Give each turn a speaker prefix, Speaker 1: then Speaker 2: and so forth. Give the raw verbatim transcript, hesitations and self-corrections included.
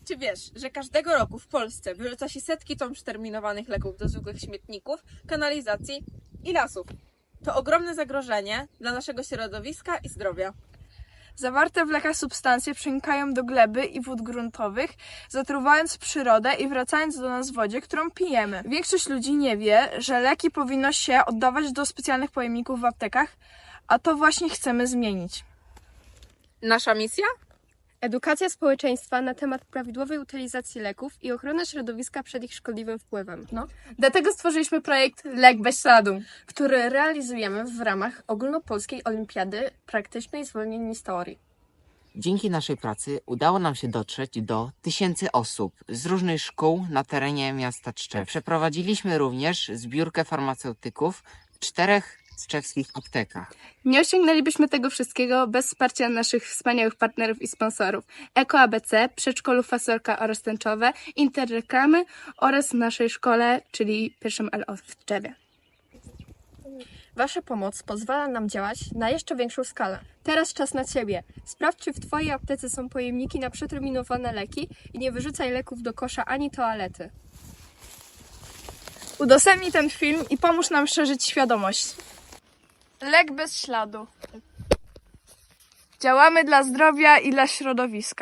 Speaker 1: Czy wiesz, że każdego roku w Polsce wyrzuca się setki ton przeterminowanych leków do zwykłych śmietników, kanalizacji i lasów? To ogromne zagrożenie dla naszego środowiska i zdrowia.
Speaker 2: Zawarte w lekach substancje przenikają do gleby i wód gruntowych, zatruwając przyrodę i wracając do nas w wodzie, którą pijemy. Większość ludzi nie wie, że leki powinno się oddawać do specjalnych pojemników w aptekach, a to właśnie chcemy zmienić.
Speaker 1: Nasza misja?
Speaker 3: Edukacja społeczeństwa na temat prawidłowej utylizacji leków i ochrony środowiska przed ich szkodliwym wpływem.
Speaker 2: No. Dlatego stworzyliśmy projekt Lek bez śladu, który realizujemy w ramach Ogólnopolskiej Olimpiady Praktycznej Zwolnień z Teorii.
Speaker 4: Dzięki naszej pracy udało nam się dotrzeć do tysięcy osób z różnych szkół na terenie miasta Tczew. Przeprowadziliśmy również zbiórkę farmaceutyków w czterech tczewskich aptekach.
Speaker 3: Nie osiągnęlibyśmy tego wszystkiego bez wsparcia naszych wspaniałych partnerów i sponsorów Eko A B C, Przedszkolu Fasolka oraz Tęczowe, Interreklamy oraz naszej szkole, czyli pierwszym L O w Tczewie.
Speaker 5: Wasza pomoc pozwala nam działać na jeszcze większą skalę.
Speaker 3: Teraz czas na Ciebie. Sprawdź, czy w Twojej aptece są pojemniki na przeterminowane leki i nie wyrzucaj leków do kosza ani toalety.
Speaker 2: Udostępnij ten film i pomóż nam szerzyć świadomość. Lek bez śladu. Działamy dla zdrowia i dla środowiska.